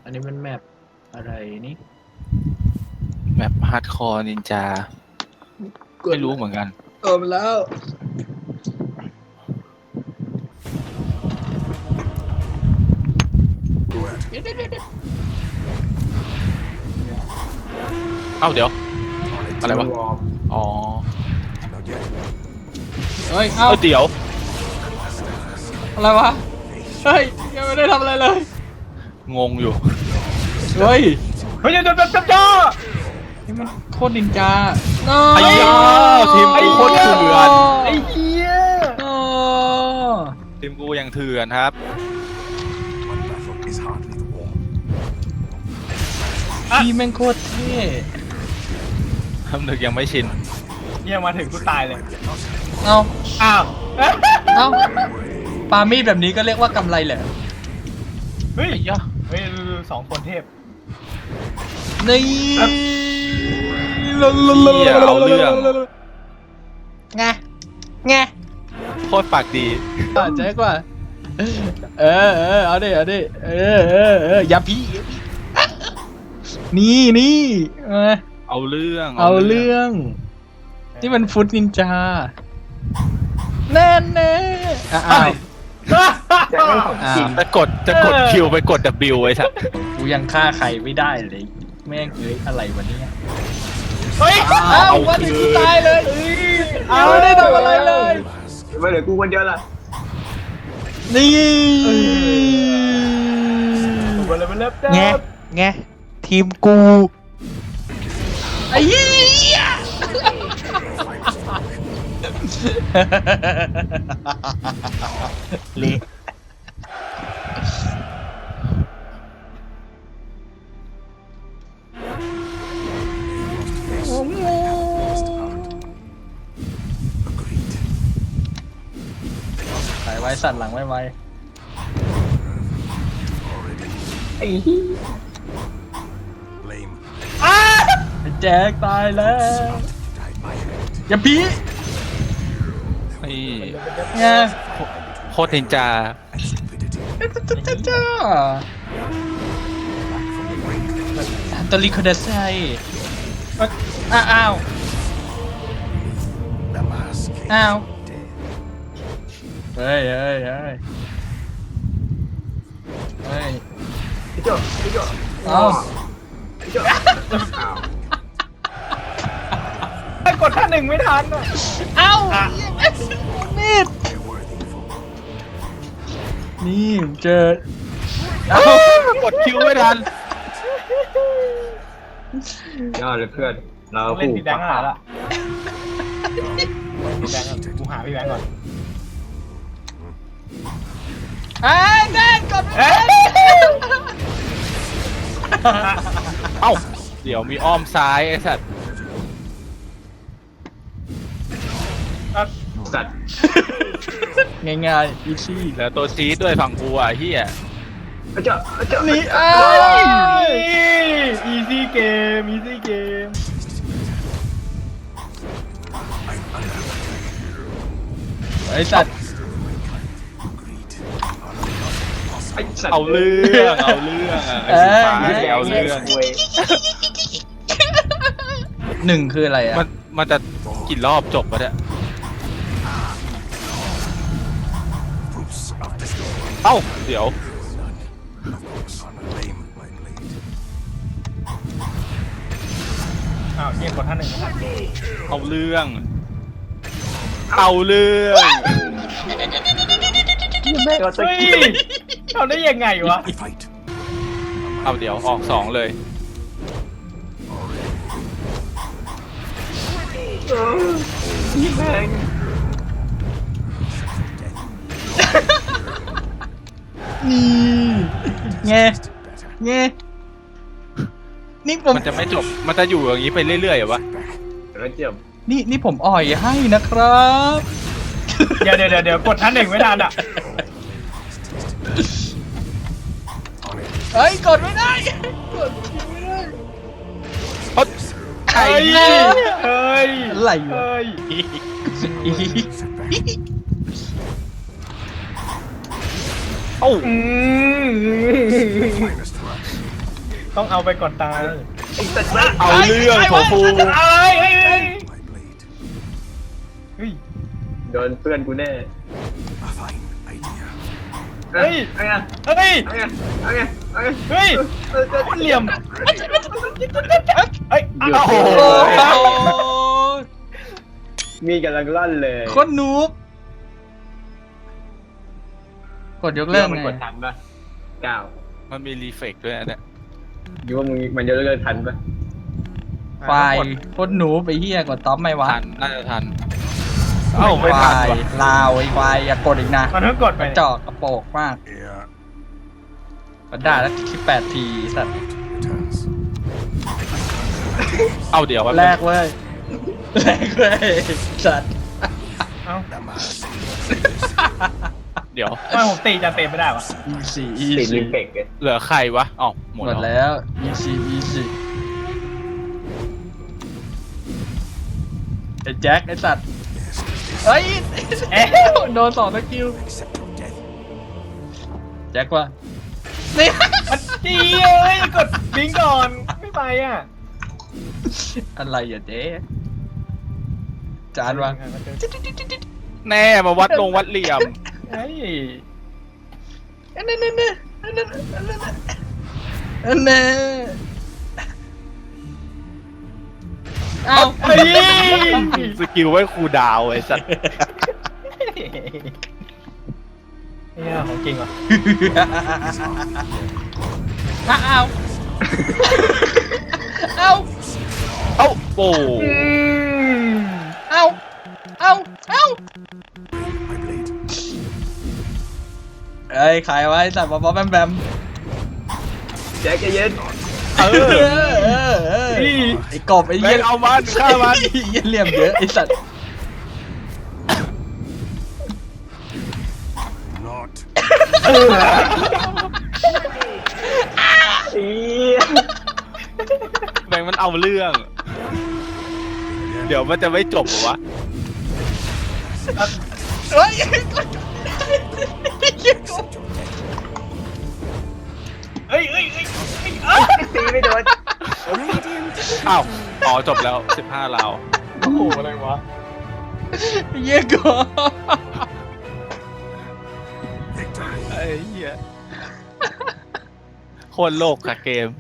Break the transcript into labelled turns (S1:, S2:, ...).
S1: อันนี้มันแมปอะไรนี่
S2: แบบฮาร์ดคอร์นินจาไม่รู้เหมือนกัน
S1: มาแล้ว
S2: เอ้าเดี๋ยว อะไรวะ อ๋อ
S1: เฮ้ย เอ้า
S2: เดี๋ยว
S1: อะไรวะ เฮ้ย ยังไม่ได้ทำอะไรเลย
S2: งงอยู่
S1: เฮ้ย
S3: เฮ้ยเดี๋ยว
S1: นี่มันโคตรนินจา
S2: ไอ้ยาทีมกูโคตรเถื่อน
S3: ไอ้เหี้ย
S1: โอ้
S2: ทีมกูยังเถื่อนครับ
S1: พี่แม่งโคตรเท่
S2: ทำนึกยังไม่ชิน
S3: เหี้ยมาถึงกูตายเลย
S1: เอา
S3: อ้าว
S1: เอาปามีดแบบนี้ก็เรียกว่ากำไรเหรอ
S3: เฮ้ย
S2: ไอ้ยา
S3: เฮ้ยสองคนเทพ
S1: นี่
S2: เอาเรื่อง
S1: ไงไง
S2: โคตรปากดี
S1: เจ๊กว่าเอาดิอย่าพี่นี่
S2: เอาเรื่อง
S1: เอาเรื่องนี่มันฟุตนินจาแน่อ้าว
S2: จะกดคิวไปกด W ไอ้สัส
S1: กูยังฆ่าใครไม่ได้เลยแม่งเอ้ยอะไรวะเนี่ย
S3: เฮ้ย
S1: อ้าววันนี้กูตายเลยไม่ได้ทำอะไรเลย
S4: ไม่เหลือกูคนเดียวละ
S1: นี่
S3: มาเลยมาเริ่ม
S1: ไงทีมกูไอ้เหี้ยเละใส่ไว้สั่นหลังไว้
S4: ไอ้เหี้ย
S1: ไอ้แจ็คตายแล้วอย่าพี
S2: นี่
S1: ไง
S2: โคตรนินจา
S1: จ้าตอริโคเดไซอ้าวเฮ้ย
S4: พี่โจ้พี่โจ้
S1: เอา
S4: พี่โจ้อ้าว
S3: ไอ้กดท่าหนึ่งไม่ทันอ่ะ
S1: เอามีดนี่เจอ
S2: กดคิวไม่ทัน
S4: ยอดเลยเพื่อนเรา
S3: ต้องเล่น
S4: คู่
S3: พี่แบงค์หาละพี่แบงค์ก่อนกูหาพี่แบงค์ก่อน
S1: ไอ้แม่กด
S2: เอ้า เดี๋ยวมีอ้อมซ้ายไอ้สัส
S4: สัตว์
S1: ง่ายๆอีซี่
S2: แล้วตัวซีดด้วยฝั่งกูอ่ะเฮีย
S4: พี่โจ้พี่โจ้
S1: นี่
S3: อีซี่เกมอีซี่เกม
S1: ไอ้สัตว์
S4: ไอ้สัตว์
S2: เอาเรื่องเอาเรื่องอ่ะไอ้สีฟ้าเอาเรื่อง
S4: เว้ย
S1: หนึ่งคืออะไรอ่ะ
S2: มันจะกี่รอบจบวะเนี่ยเอ้า เดี๋ยว
S3: อ้าวเกมกดท่าหนึ่งไม่ทัน
S2: เอาเรื่อง เอาเรื่อง
S4: แม่งเอาตะ
S3: เฮ้ย
S4: กี้
S3: ทำได้ยังไงวะ
S2: เอาเดี๋ยวออก2เลย
S4: นี่แม่ง
S1: นี่ไงนี่ผม
S2: มันจะไม่จบ มันจะอยู่อย่างนี้ไปเรื่อยๆเหรอวะ
S4: แล้วเจียม
S1: นี่ผมอ่อยให้นะครับ
S3: เดี๋ยวกดท่าหนึ่งไม่ทันอ่ะ
S1: เฮ้ยกดไม่ได้กดไม่ได้
S2: ไอ้
S3: เฮ้ย
S1: อะไรวะ
S3: เฮ้ย
S2: เอ้า
S3: อืมต้องเอาไปก่อนตาย
S4: ไอ้สัตว์
S2: เอาเรื่องโถฟู
S3: เอ้ยเฮ้ยเฮ้ยเฮ้ย
S4: โดนเพื่อนกูแน่
S3: เฮ้ย
S4: เอาไง
S3: เฮ้ย
S4: เอาไงเอาไงเอาไง
S3: เฮ้ยคนเหลี่ยมเฮ้ย
S4: หยุด
S3: โอ้โห
S1: โอ้โห
S4: มีกำลังลั่นเลย
S1: โคตรนูบกดยกเลิก
S4: มัน
S1: ไง
S4: กดทันปะก้าว
S2: มันมีรีเฟกด้วยนะเนี่ย
S4: ยูว่ามึงมันจะเลิกทันปะ
S1: ไฟโคตรนูบไปเฮียกดท็อปไหมวะ
S2: ทันน่าจะทันเอ้าไม่
S1: ไฟ
S2: ทันว่ะ
S1: ลาวไอ้ไฟอย่ากดอีกนะ
S3: มันเพิ่งกดไป
S1: กระจอกกระโปกมากมันด่าแล้ว18 ทีสัตว์
S2: เอาเดี๋ยว
S1: แรกเว้ยแรกเว้ยสัตว์
S3: เอ้า
S2: เดี๋ยว
S3: ไม่ผมตีจะเตะไม่ได้วะ
S1: easy
S4: ติดลิ
S1: easy
S4: มเฟกเลย
S2: เหลือใครวะอ๋อหมด
S1: หมด
S2: แล้ว
S1: แล้ว easy easy ไอ้แจ็คไอ้สัตว์เฮ้ย
S3: เอ๊ะ
S1: โดน2 สกิลแจ็คว่ะนี่
S3: มันจีเอ้ยกดบิงก่อนไม่ไปอ่ะ
S1: อะไรอ่ะเจ๊จานวาง
S2: แน่มาวัดลงวัดเหลี่ยม
S3: เฮ้ย
S1: อันนั้นอันนั้นอันนั้นอันนั้นอันนั้นเอา
S3: เฮ้ย
S2: สกิลไว้ครูดาวไอ้สัตว์
S3: เนี่ยของจริงว่ะ
S1: เอาเอา
S2: เอ้าโอ้
S1: เอาเอาเอาเอ้ยขายไว้สัตว์บ๊อบแบมแบม
S4: แจ็คใจเย็น
S2: เออ
S1: ไอ้กบไอ้
S2: แม่
S1: เหี้ย
S2: งเอามันฆ่ามัน
S1: ไอ้เหี้ยเหลี่ยมเยอะไอ้สัตว์
S4: อี
S2: แม่งมันเอาเรื่อง เดี๋ยวมันจะไม่จบเหรอวะ
S1: เฮ้ยไอ้เหี้ยกบ
S3: เฮ้ยเฮ้ยเฮ้ย
S4: ตีไม่โดน
S2: อ้าวอ๋อจบแล้ว15ราว
S3: โอ้โหอะไรวะ
S1: ไอ้เหี้ยกบ
S2: ไอ้เหี้ยโคตรโลกค่ะเกม